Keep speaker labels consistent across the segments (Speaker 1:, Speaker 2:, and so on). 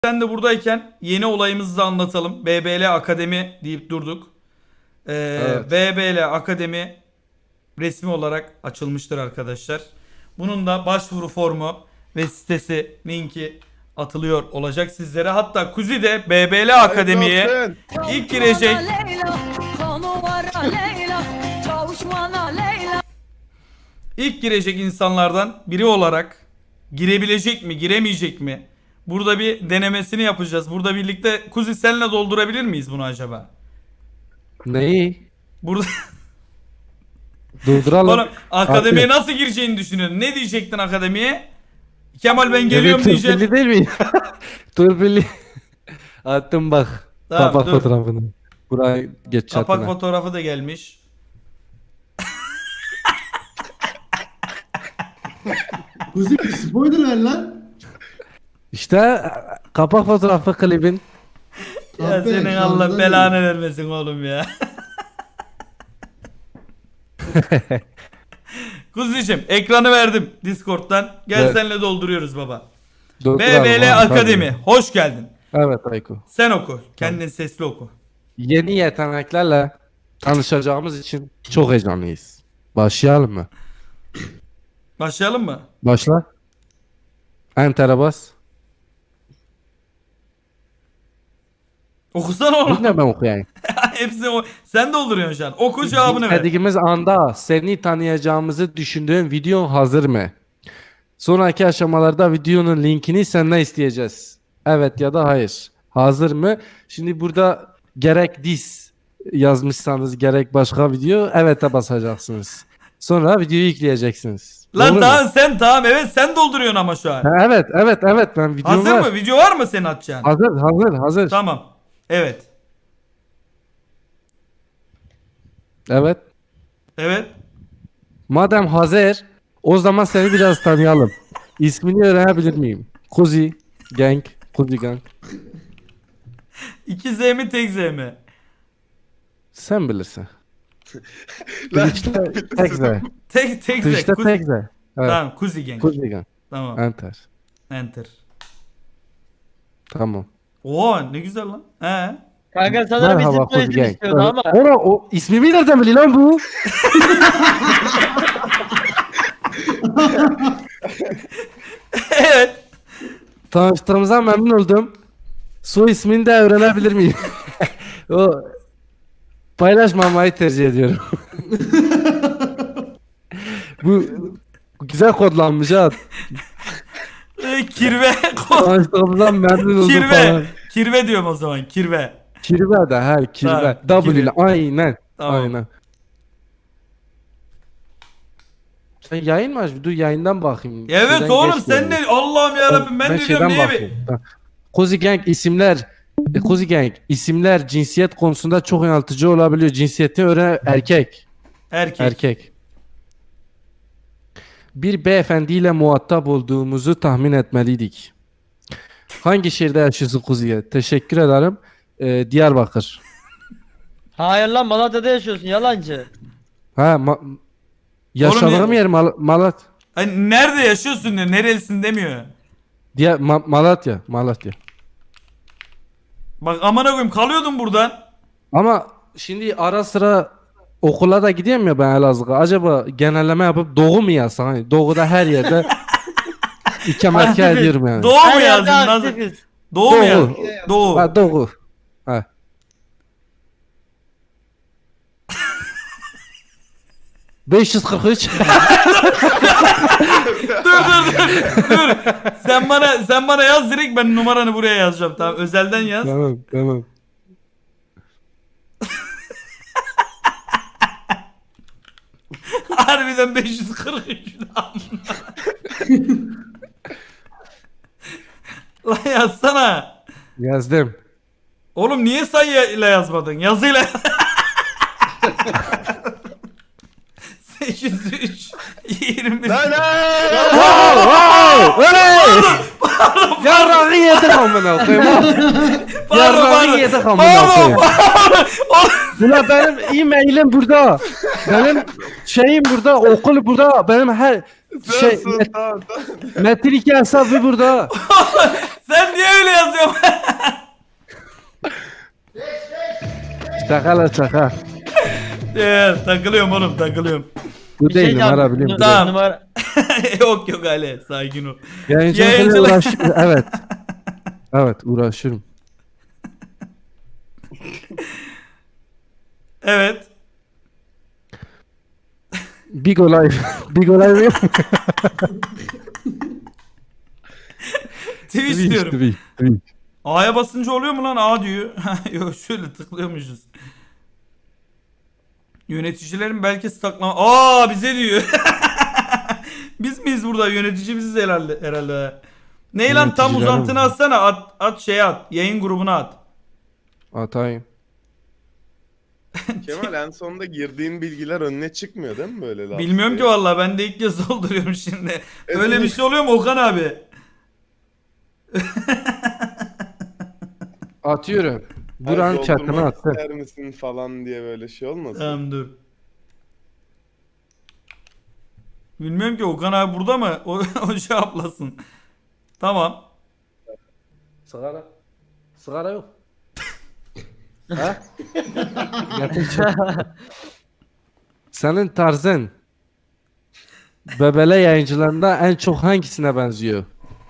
Speaker 1: Sen de buradayken yeni olayımızı da anlatalım. BBL Akademi deyip durduk.
Speaker 2: Evet.
Speaker 1: BBL Akademi resmi olarak açılmıştır arkadaşlar. Bunun da başvuru formu ve sitesi linki atılıyor olacak sizlere. Hatta Kuzi de BBL Akademi'ye ilk girecek. İlk girecek insanlardan biri olarak girebilecek mi, giremeyecek mi? Burada bir denemesini yapacağız. Burada birlikte Kuzi senle doldurabilir miyiz bunu acaba?
Speaker 2: Neyi?
Speaker 1: Burada
Speaker 2: Durduralım.
Speaker 1: oğlum akademiye
Speaker 2: Atıyor.
Speaker 1: nasıl gireceğini düşünüyorsun? Ne diyecektin akademiye? Kemal ben geliyorum
Speaker 2: Evet,
Speaker 1: diyeceksin.
Speaker 2: Turpilli değil mi? Turpilli. Attım bak.
Speaker 1: Tamam,
Speaker 2: Kapak
Speaker 1: dur.
Speaker 2: fotoğrafını. Buraya geç
Speaker 1: Kapak
Speaker 2: çatına.
Speaker 1: fotoğrafı da gelmiş.
Speaker 3: Kuzi bir spoiler ver lan.
Speaker 2: İşte kapak fotoğrafı klibin.
Speaker 1: Ya
Speaker 3: Abi,
Speaker 1: senin
Speaker 3: şarjda
Speaker 1: Allah
Speaker 3: değil.
Speaker 1: belanı vermesin oğlum ya. Kuzi'cim ekranı verdim Discord'dan. Gel
Speaker 2: Evet.
Speaker 1: senle dolduruyoruz baba.
Speaker 2: Durduralım
Speaker 1: BBL
Speaker 2: abi,
Speaker 1: Akademi.
Speaker 2: tabii.
Speaker 1: Hoş geldin.
Speaker 2: Evet Ayko.
Speaker 1: Sen oku. Kendin sesli oku.
Speaker 2: Yeni yeteneklerle tanışacağımız için çok heyecanlıyız. Başlayalım mı?
Speaker 1: Başlayalım mı?
Speaker 2: Başla. Enter'e bas.
Speaker 1: Okusana oğlum.
Speaker 2: Yine ben okuyayım.
Speaker 1: Hepsini o. Sen dolduruyorsun şu an. Oku cevabını ver.
Speaker 2: Dediğimiz anda seni tanıyacağımızı düşündüğün video hazır mı? Sonraki aşamalarda videonun linkini senden isteyeceğiz. Evet ya da hayır. Hazır mı? Şimdi burada gerek diss yazmışsanız gerek başka video evet'e basacaksınız. Sonra videoyu yükleyeceksiniz.
Speaker 1: Lan
Speaker 2: Doğru mu?
Speaker 1: tamam sen tamam evet sen dolduruyorsun ama şu an.
Speaker 2: Ha, evet ben videom
Speaker 1: Hazır
Speaker 2: var.
Speaker 1: mı? Video var mı senin atacağın?
Speaker 2: Hazır.
Speaker 1: Tamam. Evet.
Speaker 2: Evet.
Speaker 1: Evet.
Speaker 2: Madem hazır o zaman seni biraz tanıyalım. İsmini öğrenebilir miyim? Kuzi Gang. Kuzi Gang.
Speaker 1: 2 Z mi tek Z mi?
Speaker 2: Sen bilirsin. Twitch'te tek Z.
Speaker 1: Tek Z.
Speaker 2: Twitch'te tek Z. Evet.
Speaker 1: Tamam Kuzi Gang.
Speaker 2: Kuzi Gang.
Speaker 1: Tamam.
Speaker 2: Enter.
Speaker 1: Enter.
Speaker 2: Tamam.
Speaker 1: Oo ne güzel lan. He.
Speaker 4: Kanka sanırım
Speaker 2: Merhaba
Speaker 4: isim
Speaker 2: Kuzi
Speaker 4: soyisim
Speaker 2: Gang.
Speaker 4: istiyordu ama.
Speaker 2: Ora o ismimi nereden biliyor lan bu?
Speaker 1: Evet.
Speaker 2: Tanıştığımıza memnun oldum. Soy ismini de öğrenebilir miyim? O paylaşmamayı tercih ediyorum. Bu güzel kodlanmış ha.
Speaker 1: Kirve.
Speaker 2: Tanıştığımızdan memnun oldum
Speaker 1: Kirve.
Speaker 2: falan.
Speaker 1: Kirve diyorum o zaman. Kirve.
Speaker 2: Kirve de her kirve.
Speaker 1: Tamam,
Speaker 2: W ile
Speaker 1: kirve.
Speaker 2: aynen.
Speaker 1: Tamam.
Speaker 2: Aynen. Sen yayın mı aç? Dur yayından bakayım.
Speaker 1: Evet
Speaker 2: Şeyden
Speaker 1: oğlum
Speaker 2: geç
Speaker 1: sen
Speaker 2: geldi.
Speaker 1: ne? Allah'ım yarabbim ben de diyorum
Speaker 2: şeyden
Speaker 1: niye
Speaker 2: bakayım. Tamam. Cozy Gang isimler Cozy Gang isimler cinsiyet konusunda çok yanıltıcı olabiliyor. Cinsiyeti öğren erkek. Erkek. Bir beyefendiyle muhatap olduğumuzu tahmin etmeliydik. Hangi şehirde yaşıyorsun Cozy? Teşekkür ederim. Diyarbakır.
Speaker 4: Hayır lan Malatya'da yaşıyorsun yalancı.
Speaker 2: Ha yaşadığım
Speaker 1: ya-
Speaker 2: yer Malatya.
Speaker 1: Hani nerede yaşıyorsun diyor. Nerelisin demiyor.
Speaker 2: Malatya.
Speaker 1: Bak amına koyayım kalıyordum buradan.
Speaker 2: Ama şimdi ara sıra okula da gidiyorum ya ben Elazığ'a. Acaba genelleme yapıp Doğu mu yazsam? Hani Doğu'da her yerde ikametgah ediyorum yani.
Speaker 1: Doğu mu
Speaker 4: Her
Speaker 1: yazdın?
Speaker 4: yerde
Speaker 1: Nasıl?
Speaker 4: aktifiz.
Speaker 1: Doğu mu
Speaker 2: Doğu.
Speaker 1: yazdın? Doğu.
Speaker 2: Ha Doğu. Ha. ...543...
Speaker 1: Dur. Sen bana yaz direkt ben numaranı buraya yazacağım. Tamam özelden yaz.
Speaker 2: Tamam.
Speaker 1: Harbiden 543 lan. Lan yazsana.
Speaker 2: Yazdım.
Speaker 1: Oğlum niye sayıyla yazmadın? Yazıyla. 803 20.
Speaker 2: Yarrağı yedik amına koyayım. Yarrağı yedik amına koyayım. Ulan benim e-mailim burada. Benim şeyim burada, okul burada. Benim her Şey,
Speaker 5: Tamam.
Speaker 2: Metin 2 hesabı burada.
Speaker 1: Sen niye öyle yazıyorsun?
Speaker 2: Şaka la şaka.
Speaker 1: Takılıyorum oğlum takılıyorum.
Speaker 2: Bu
Speaker 4: Bir şey
Speaker 2: değil numara
Speaker 4: diyeceğim.
Speaker 2: biliyorum.
Speaker 1: Tamam.
Speaker 4: Numara...
Speaker 1: Yok Ali sakin ol.
Speaker 2: Yayıncılıkla
Speaker 1: Yayıncılık.
Speaker 2: uğraşıyorum. Evet. Evet uğraşıyorum.
Speaker 1: Evet.
Speaker 2: Big olay. Big olay yok.
Speaker 1: Twitch diyorum.
Speaker 2: Twitch.
Speaker 1: A'ya basınca oluyor mu lan? A diyor. Yok şöyle tıklıyormuşuz. Yöneticilerin belki staklama... Aa bize diyor. Biz miyiz burada? Yönetici biziz herhalde. Ney lan tam
Speaker 2: Yöneticiler
Speaker 1: uzantını
Speaker 2: mi?
Speaker 1: atsana. At şeye at. Yayın grubuna at.
Speaker 2: Atayım.
Speaker 5: Kemal en sonunda girdiğin bilgiler önüne çıkmıyor değil mi böyle laf?
Speaker 1: Bilmiyorum ki vallahi ben de ilk kez dolduruyorum şimdi. Öyle bir şey oluyor mu Okan abi?
Speaker 2: Atıyorum. Buranın chatine attım.
Speaker 5: İster misin falan diye böyle şey olmasın?
Speaker 1: Tamam dur. Bilmiyorum ki Okan abi burada mı? O cevaplasın. Tamam.
Speaker 2: Sigara. Sigara yok. Ha? Getir chat. Senin tarzın Bebele yayıncılarında en çok hangisine benziyor?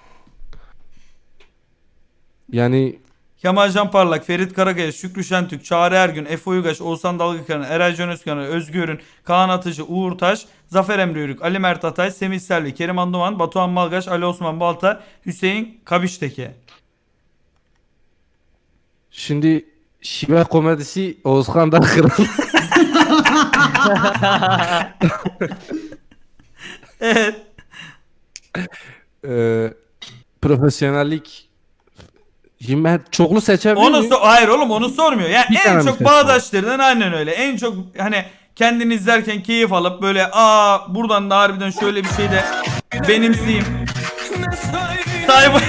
Speaker 2: Yani
Speaker 1: Kemal Can Parlak, Ferit Karakaya, Şükrü Şentürk, Çağrı Ergün, Efe Uygaş, Oğuzhan Dalgıkaran, Eray Can Özkan, Özgür Ürün, Kaan Atıcı, Uğur Taş, Zafer Emre Yörük, Ali Mert Atay, Semih Selvi, Kerim Anduman, Batuhan Malgaç, Ali Osman Balta, Hüseyin Kabişteke.
Speaker 2: şimdi şive komedisi Oğuzhan da kral.
Speaker 1: Evet.
Speaker 2: Profesyonellik. Şimdi ben çoklu seçebilir miyim?
Speaker 1: Hayır oğlum onu sormuyor. Yani
Speaker 2: Bir tane
Speaker 1: en
Speaker 2: mi
Speaker 1: çok
Speaker 2: seçiyor?
Speaker 1: bağdaşlarından aynen öyle. En çok hani kendini izlerken keyif alıp böyle buradan da harbiden şöyle bir şey de benimseyeyim. Sayfa.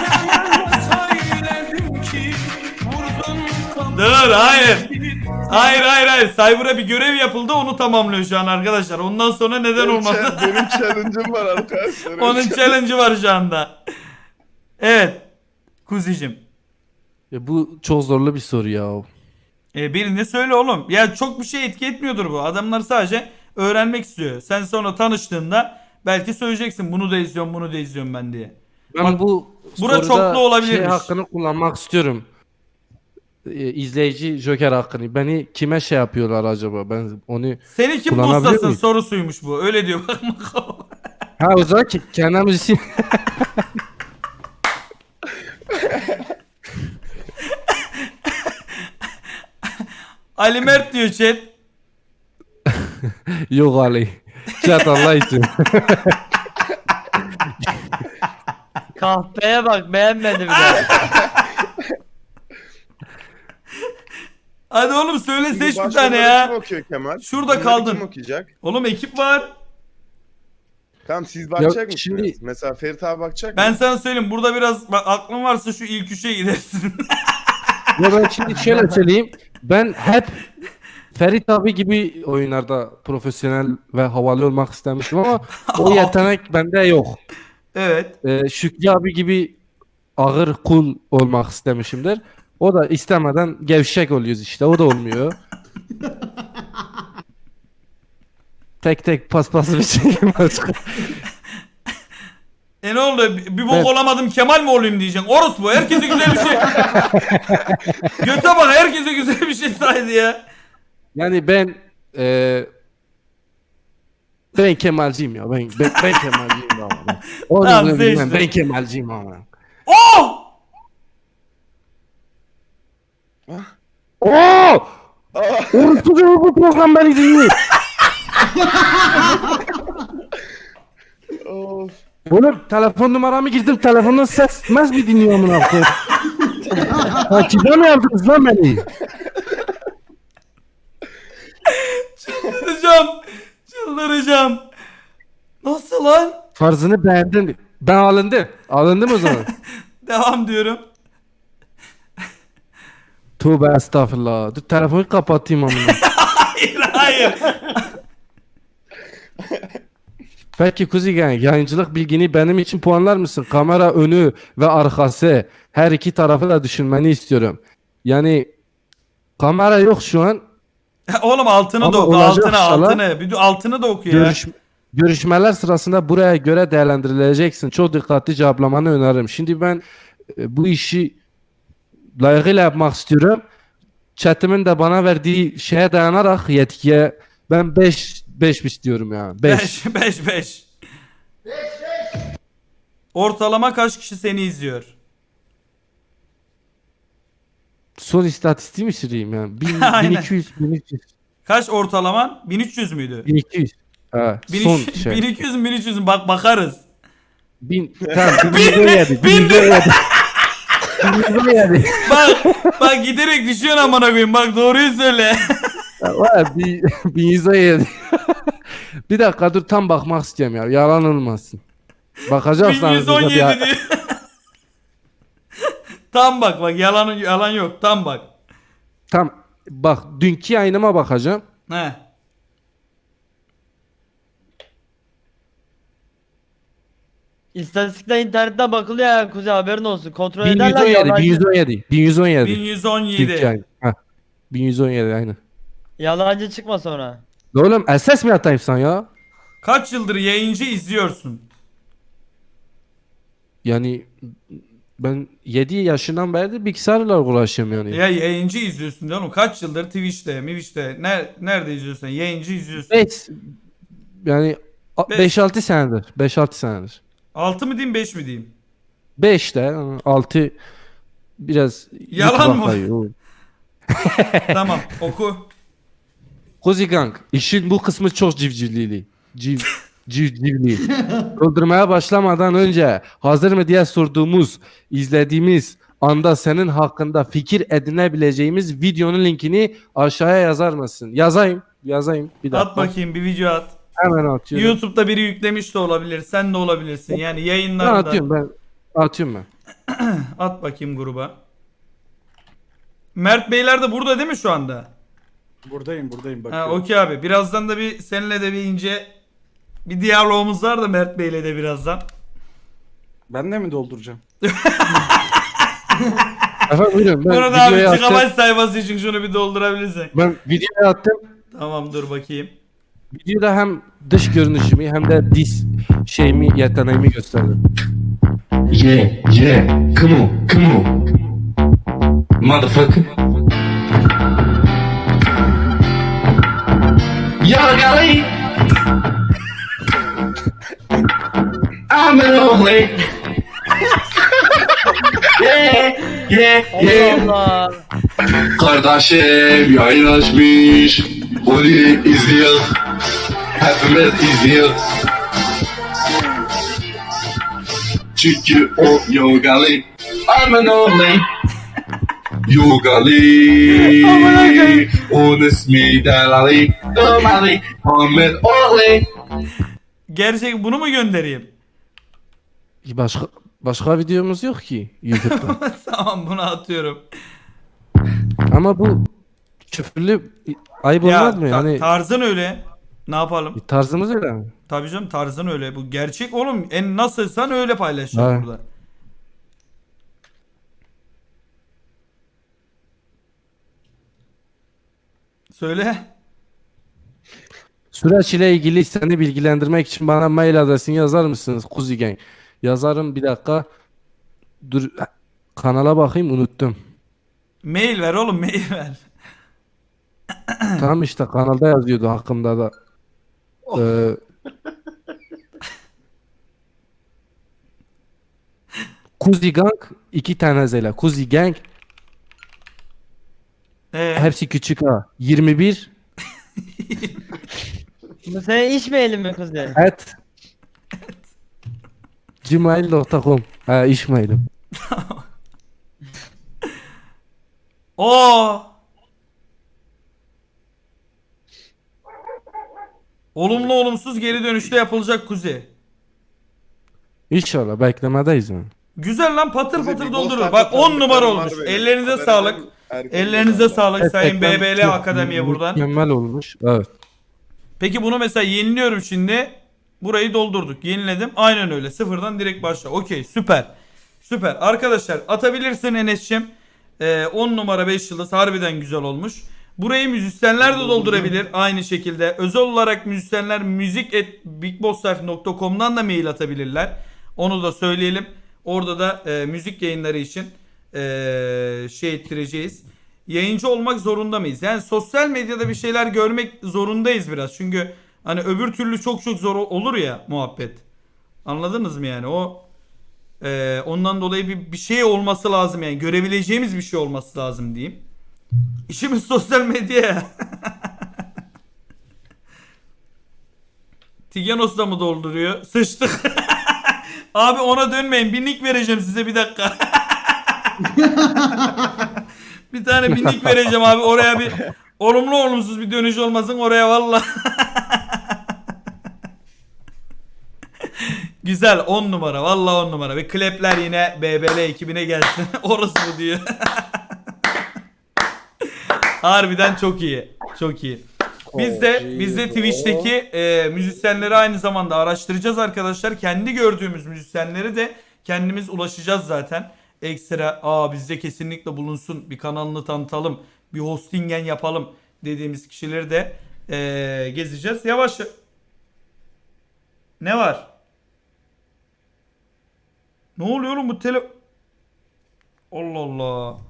Speaker 1: Dur hayır. Hayır. Cyber'a bir görev yapıldı onu tamamlıyor şu an arkadaşlar. Ondan sonra neden olmadı?
Speaker 5: Benim challenge'ım var arkadaşlar.
Speaker 1: Onun challenge'ı var şu anda. Evet. Kuzicim.
Speaker 2: Bu çok zorlu bir soru ya.
Speaker 1: Birini söyle oğlum. Ya çok bir şey etki etmiyordur bu. Adamlar sadece öğrenmek istiyor. Sen sonra tanıştığında belki söyleyeceksin bunu da izliyorum ben diye.
Speaker 2: Ben
Speaker 1: Bak,
Speaker 2: bu
Speaker 1: bura
Speaker 2: soruda
Speaker 1: çoklu olabilirmiş.
Speaker 2: şey hakkını kullanmak istiyorum. İzleyici Joker hakkını. Beni kime şey yapıyorlar acaba? Ben onu
Speaker 1: Seni kim
Speaker 2: kullanabilir
Speaker 1: buslasın
Speaker 2: miyim?
Speaker 1: sorusuymuş bu. Öyle diyor bak.
Speaker 2: Ha o zaman kendimiz
Speaker 1: Ali Mert diyor chat.
Speaker 2: Yok Ali. Chat Allah için.
Speaker 4: Kahpeye bak beğenmedi bile.
Speaker 1: Hadi oğlum söyle seç bir
Speaker 5: Başkaları
Speaker 1: tane
Speaker 5: Kim
Speaker 1: ya.
Speaker 5: okuyor Kemal?
Speaker 1: Şurada
Speaker 5: Bunları
Speaker 1: kaldın.
Speaker 5: Kim okuyacak?
Speaker 1: Oğlum ekip var.
Speaker 5: Tamam siz bakacak
Speaker 2: Ya
Speaker 5: mısınız?
Speaker 2: şimdi-
Speaker 5: Mesela Ferit abi bakacak
Speaker 1: Ben
Speaker 5: mı?
Speaker 1: sana söyleyeyim burada biraz bak, aklın varsa şu ilk üçe gidersin.
Speaker 2: Ya ben şimdi şöyle söyleyeyim. Ben hep Ferit abi gibi oyunlarda profesyonel ve havalı olmak istemiştim ama o yetenek bende yok.
Speaker 1: Evet.
Speaker 2: Şükrü abi gibi ağır cool olmak istemişimdir. O da istemeden gevşek oluyoruz işte. O da olmuyor. Tek paspaslı bir şey başka.
Speaker 1: Ne oldu? Bir bok
Speaker 2: Evet.
Speaker 1: olamadım Kemal mi olayım diyeceksin. Orospu herkese güzel bir şey. Göte bak herkese güzel bir şey saydı ya.
Speaker 2: Yani ben Kemalciyim ya. Ben Kemalciyim ama. Onu
Speaker 1: Tamam,
Speaker 2: da bilmem.
Speaker 1: seçtim.
Speaker 2: Ben Kemalciyim ama.
Speaker 1: Oh!
Speaker 2: Oo! Orası da bu program beni dinliyor.
Speaker 5: Of.
Speaker 2: Oğlum telefon numaramı girdim. Telefondan ses mi dinliyor amına koyayım? Takibe mi yaptınız lan beni?
Speaker 1: Çıldıracağım. Nasıl lan?
Speaker 2: Farzını beğendin. Ben alındım. Alındım o zaman.
Speaker 1: Devam diyorum.
Speaker 2: Tövbe estağfurullah. Dur telefonu kapatayım amına.
Speaker 1: Hayır.
Speaker 2: Peki Kuzi Gang, yayıncılık bilgini benim için puanlar mısın? Kamera önü ve arkası her iki tarafı da düşünmeni istiyorum. Yani kamera yok şu an.
Speaker 1: Oğlum altını
Speaker 2: Ama
Speaker 1: da oku.
Speaker 2: olacak
Speaker 1: Altını
Speaker 2: inşallah.
Speaker 1: altını. Bir de altını da oku ya.
Speaker 2: Görüşmeler sırasında buraya göre değerlendirileceksin. Çok dikkatli cevaplamanı öneririm. Şimdi ben bu işi layıkıyla yapmak istiyorum. Chat'imin de bana verdiği şeye dayanarak yetkiye ben 5 istiyorum ya. 5.
Speaker 1: 5. Ortalama kaç kişi seni izliyor?
Speaker 2: Son istatistiği mi süreyim yani?
Speaker 1: Aynen.
Speaker 2: 1200.
Speaker 1: Kaç ortalaman? 1300 müydü?
Speaker 2: 1200. Ha, son
Speaker 1: 1300,
Speaker 2: şey.
Speaker 1: 1200 mü 1300 mü? Bak bakarız.
Speaker 2: Tamam 1117. 1117. 1117.
Speaker 1: Bak giderek düşüyorsun amına koyayım. Bak doğruyu söyle.
Speaker 2: Var 1117. Bir dakika dur tam bakmak istiyorum ya. Yalan olmasın. Bakacaksanız da
Speaker 1: 1117 diyor. Tam bak yalan yok. Tam bak.
Speaker 2: tam bak dünkü yayınıma bakacağım.
Speaker 1: He.
Speaker 4: İstatistikler internetten bakılıyor ya Kuzey, haberin olsun. Kontrol ederler
Speaker 2: 1117. 1117.
Speaker 1: 1117.
Speaker 2: Dünkü yayın. Ha. 1117 aynı.
Speaker 4: Yalancı çıkma sonra.
Speaker 2: Oğlum SS mi atayım sen ya?
Speaker 1: Kaç yıldır yayıncı izliyorsun?
Speaker 2: Yani ben 7 yaşından beri de bilgisayarla uğraşıyorum yani.
Speaker 1: Ya yayıncı izliyorsun diyor oğlum. Kaç yıldır Twitch'te, nerede izliyorsun? Yayıncı izliyorsun.
Speaker 2: 5 yani
Speaker 1: Beş.
Speaker 2: 5-6 senedir. 5-6 senedir.
Speaker 1: 6 mı diyeyim 5 mi diyeyim?
Speaker 2: 5 de 6 biraz
Speaker 1: Yalan
Speaker 2: YouTube'a
Speaker 1: mı?
Speaker 2: kayıyor.
Speaker 1: Tamam oku.
Speaker 2: Kozi Gang, işin bu kısmı çok civcivlili. Civcivli. Öldürmeye başlamadan önce hazır mı diye sorduğumuz, izlediğimiz anda senin hakkında fikir edinebileceğimiz videonun linkini aşağıya yazar mısın? Yazayım. Bir dakika.
Speaker 1: At bakayım bir video at.
Speaker 2: Hemen atıyorum.
Speaker 1: YouTube'da biri yüklemiş de olabilir. Sen de olabilirsin. Yani
Speaker 2: Ben
Speaker 1: yayınlarda.
Speaker 2: atıyorum ben.
Speaker 1: At bakayım gruba. Mert Beyler de burada değil mi şu anda?
Speaker 6: Buradayım
Speaker 1: Ha
Speaker 6: bakıyorum.
Speaker 1: okey abi. Birazdan da bir seninle de bir ince bir diyalogumuz var da Mert Bey'le de birazdan.
Speaker 6: Ben de mi dolduracağım?
Speaker 2: Efendim buyurun. Ben
Speaker 1: Bunu da abi
Speaker 2: videoya attım.
Speaker 1: gigabyte sayfası için şunu bir doldurabilirsin.
Speaker 2: Ben videoya attım.
Speaker 1: Tamam dur bakayım.
Speaker 2: Videoda hem dış görünüşümü hem de diz şeyimi, yeteneğimi gösterdim.
Speaker 7: Yeah, come on. Motherfucker. Yo, golly. I'm an only. yeah.
Speaker 4: Allah Allah.
Speaker 7: Kardeşim yayın açmış. Onu izliyor. Hepimiz izliyor. Çünkü o yogali. I'm an only. Yogali. Onun ismi Delali. Domali. Ahmet Orli.
Speaker 1: Gerçek bunu mu göndereyim?
Speaker 2: Başka videomuz yok ki YouTube'da.
Speaker 1: Tamam bunu atıyorum.
Speaker 2: Ama bu küfürlü ayıp olmaz mı? Yani
Speaker 1: tarzın öyle. Ne yapalım?
Speaker 2: tarzımız öyle mi?
Speaker 1: Tabii canım tarzın öyle. Bu gerçek oğlum. En nasılsan öyle paylaşacağım
Speaker 2: Evet.
Speaker 1: burada. Söyle.
Speaker 2: Süreç ile ilgili seni bilgilendirmek için bana mail adresini yazar mısınız Kuzi Gang? Yazarım bir dakika. Dur kanala bakayım unuttum.
Speaker 1: Mail ver oğlum mail ver.
Speaker 2: Tamam işte kanalda yazıyordu hakkımda da. Ee, Kuzi Gang 2 tane zela. Kuzi Gang hepsi küçük ha. 21
Speaker 4: Bu senin iş mailin mi Kuzey?
Speaker 2: at gmail.com. Ha iş mailim.
Speaker 1: Oo. Olumlu olumsuz geri dönüşte yapılacak Kuzey.
Speaker 2: İnşallah beklemedeyiz yani.
Speaker 1: Güzel lan patır
Speaker 5: Kuzey,
Speaker 1: patır
Speaker 5: bir
Speaker 1: doldurur.
Speaker 5: Ghost'tan
Speaker 1: Bak 10 numara
Speaker 5: tanıdıklarım
Speaker 1: olmuş.
Speaker 5: var benim.
Speaker 1: Ellerinize
Speaker 5: Haberden
Speaker 1: sağlık.
Speaker 5: erken
Speaker 1: Ellerinize
Speaker 5: geldi.
Speaker 1: sağlık Sayın
Speaker 2: Ekrem
Speaker 1: BBL
Speaker 2: çok
Speaker 1: Akademi'ye buradan.
Speaker 2: Mükemmel olmuş. Evet.
Speaker 1: Peki bunu mesela yeniliyorum şimdi. Burayı doldurduk. Yeniledim. Aynen öyle. Sıfırdan direkt başla. Okey, süper. Süper. Arkadaşlar atabilirsin Enes'cim. 10 numara 5 yıldız harbiden güzel olmuş. Burayı müzisyenler de doldurabilir aynı şekilde. Özel olarak müzisyenler müzik@bigbosslife.com'dan da mail atabilirler. Onu da söyleyelim. Orada da müzik yayınları için şey ettireceğiz. Yayıncı olmak zorunda mıyız? Yani sosyal medyada bir şeyler görmek zorundayız biraz. Çünkü hani öbür türlü çok zor olur ya muhabbet. Anladınız mı yani? Ondan dolayı bir şey olması lazım yani. Görebileceğimiz bir şey olması lazım diyeyim. İşimiz sosyal medya. Tiganos da mı dolduruyor? Sıçtık. Abi ona dönmeyin. Bir nick vereceğim size bir dakika. Bir tane bir nick vereceğim abi. Oraya bir olumlu olumsuz bir dönüş olmasın oraya valla. Güzel 10 numara valla 10 numara. Ve klepler yine BBL ekibine gelsin. Orası bu diyor. Harbiden çok iyi. Çok iyi. Biz de Twitch'teki müzisyenleri aynı zamanda araştıracağız arkadaşlar. Kendi gördüğümüz müzisyenleri de kendimiz ulaşacağız zaten. Ekstra bizde kesinlikle bulunsun, bir kanalını tanıtalım, bir hostingen yapalım dediğimiz kişileri de gezeceğiz. Yavaş. Ne var? Ne oluyor oğlum bu Allah Allah.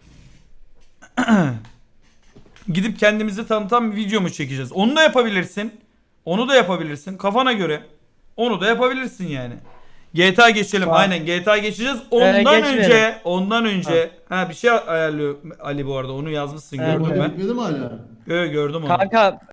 Speaker 1: Gidip kendimizi tanıtan bir video mu çekeceğiz? Onu da yapabilirsin. Onu da yapabilirsin. Kafana göre. Onu da yapabilirsin yani. GTA geçelim.
Speaker 4: Tamam.
Speaker 1: Aynen GTA geçeceğiz.
Speaker 4: Geçmeyelim.
Speaker 1: Ondan önce bir şey ayarlıyor Ali bu arada. Onu yazmışsın
Speaker 4: Evet,
Speaker 1: gördüm
Speaker 3: Orada
Speaker 1: ben.
Speaker 3: bitmedi mi hala?
Speaker 1: Gördüm onu.
Speaker 4: Kanka